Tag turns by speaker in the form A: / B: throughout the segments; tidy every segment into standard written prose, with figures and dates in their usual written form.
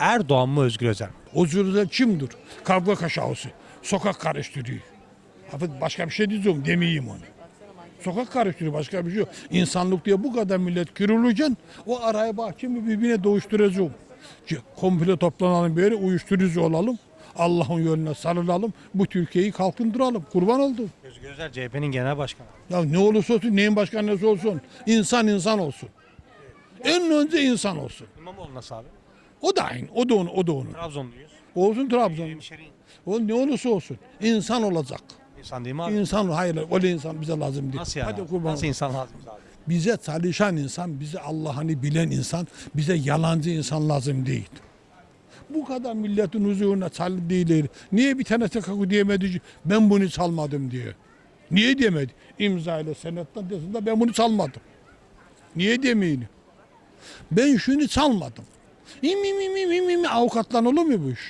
A: Erdoğan mı Özgür Özel mi?
B: Özgür Özel kimdir? Kavga kaşağısı. Sokak karıştırıyor. Başka bir şey diyeceğim demeyeyim onu. Sokak karıştırıyor, başka bir şey yok. İnsanlık diye bu kadar millet kırılırken o araya bahçemi birbirine doğuşturacağım. Komple toplanalım, böyle uyuşturucu olalım. Allah'ın yoluna sarılalım. Bu Türkiye'yi kalkındıralım. Kurban oldum.
A: Özgür Özel CHP'nin genel başkanı.
B: Ya ne olursa olsun, neyin başkanı olsun. İnsan insan olsun. En önce insan olsun.
A: İmamoğlu nasıl abi?
B: O da aynı. O da onu. O da onu.
A: Trabzonluyuz.
B: Olsun Trabzon.
A: Hemşerin.
B: O ne olursa olsun. İnsan olacak.
A: İnsan değil mi abi?
B: İnsan, hayır, öyle insan bize lazım değil.
A: Nasıl yani?
B: Hadi
A: Abi?
B: kurban
A: Nasıl
B: olayım.
A: insan lazım abi?
B: Bize çalışan insan, bize Allah'ını bilen insan, bize yalancı insan lazım değil. Bu kadar milletin huzuruna çalı değil. Niye bir tane TKK diyemedi ki ben bunu çalmadım diye. Niye diyemedi? İmza ile senetten desin de ben bunu çalmadım. Niye demeyin? Ben şunu çalmadım. Avukatla olur mu bu iş?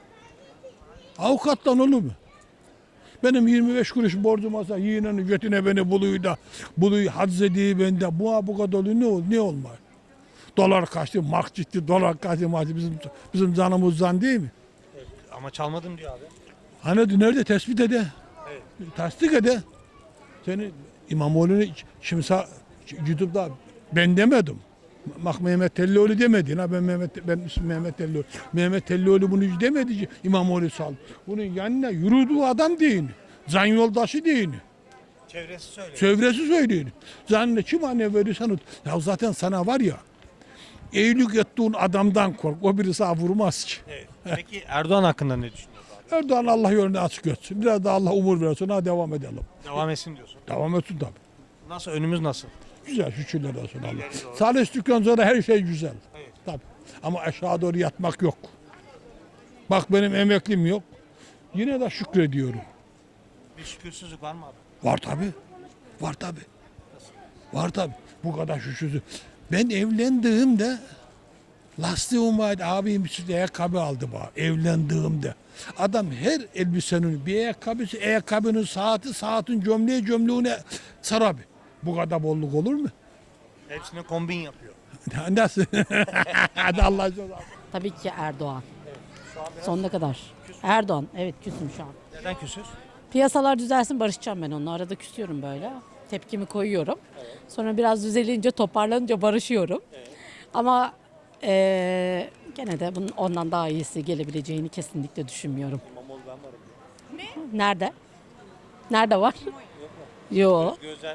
B: Avukatla olur mu? Benim 25 kuruş borcum olsa yiğnenin götüne beni buluyu haczediği bende. Bu kadar oluyor, ne olmaz? Dolar kaçtı, mark ciddi, dolar kaçtı, bizim canımızdan değil mi?
A: Ama çalmadım diyor abi.
B: Hani nerede tespit ede?
A: Evet.
B: Tasdik ede. Seni İmamoğlu'nu kimse YouTube'da ben demedim. Bak Mehmet Tellioğlu demedi. Ben ismim Mehmet Tellioğlu. Mehmet Tellioğlu bunu hiç demedi ki İmamoğlu sal. Bunun yanına yürüdüğü adam değil. Can yoldaşı değil.
A: Çevresi söylüyor.
B: Çevresi söylüyor. Zannı kim anne verirsen ya zaten sana var ya iyilik ettiğin adamdan kork. O biri sana vurmaz ki.
A: Evet. Peki Erdoğan hakkında ne düşünüyorsun abi?
B: Erdoğan Allah yolunu açık etsin. Biraz da Allah umur versin. Hadi devam edelim.
A: Devam etsin diyorsun.
B: Devam etsin tabii.
A: Nasıl? Önümüz nasıl?
B: Güzel şükürler olsun Allah.
A: doğru.
B: Çalıştıktan sonra her şey güzel.
A: Evet.
B: Tabii. Ama aşağı doğru yatmak yok. Bak benim emeklim yok. Yine de şükrediyorum.
A: Bir şükürsüzlük var mı abi?
B: Var tabii. Var tabii. Var tabii. Bu kadar şükürsüz. Ben evlendiğimde lastiğim vardı. Abim bir ayakkabı aldı bana. Evlendiğimde. Adam her elbisenin bir ayakkabısı, ayakkabının saati, saatin gömleğine sarar. Bu kadar bolluk olur mu?
A: Hepsine kombin yapıyor.
B: Nasıl? Hadi Allah aşkına.
C: Tabii ki Erdoğan. Sonuna kadar. Erdoğan. Evet küsüm şu an.
A: Neden küsüz?
C: Piyasalar düzelsin barışacağım ben onunla. Arada küsüyorum böyle. Tepkimi koyuyorum. Sonra biraz düzelince toparlanınca barışıyorum. Ama gene de bunun ondan daha iyisi gelebileceğini kesinlikle düşünmüyorum.
A: İmamoğlu ben varım.
C: Nerede? Nerede var? Yok.
A: Özgür Özel.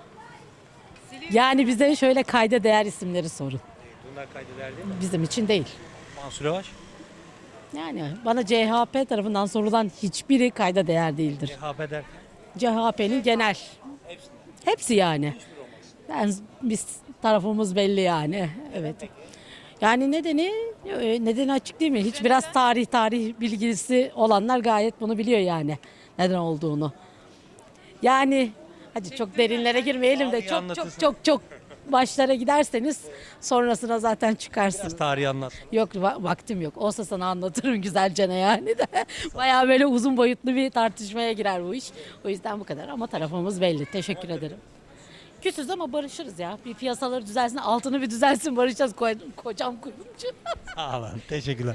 C: Yani bize şöyle kayda değer isimleri sorun.
A: Bunlar kaydeder değil mi?
C: Bizim için değil.
A: Mansur Yavaş.
C: Yani bana CHP tarafından sorulan hiçbiri kayda değer değildir.
A: CHP der.
C: CHP'nin genel. Hepsi yani. Biz tarafımız belli yani. Evet. Yani nedeni açık değil mi? Hiç biraz tarih bilgisi olanlar gayet bunu biliyor yani. Neden olduğunu. Yani hadi çok derinlere girmeyelim de çok başlara giderseniz sonrasına zaten çıkarsın.
A: Biraz tarihi anlat.
C: Yok vaktim yok. Olsa sana anlatırım güzelce yani de. Bayağı böyle uzun boyutlu bir tartışmaya girer bu iş. O yüzden bu kadar ama tarafımız belli. Teşekkür ederim. Küsüz ama barışırız ya. Bir piyasaları düzelsin, altını bir düzelsin barışacağız. Kocam kuyumcu.
A: Sağ olun. Teşekkürler.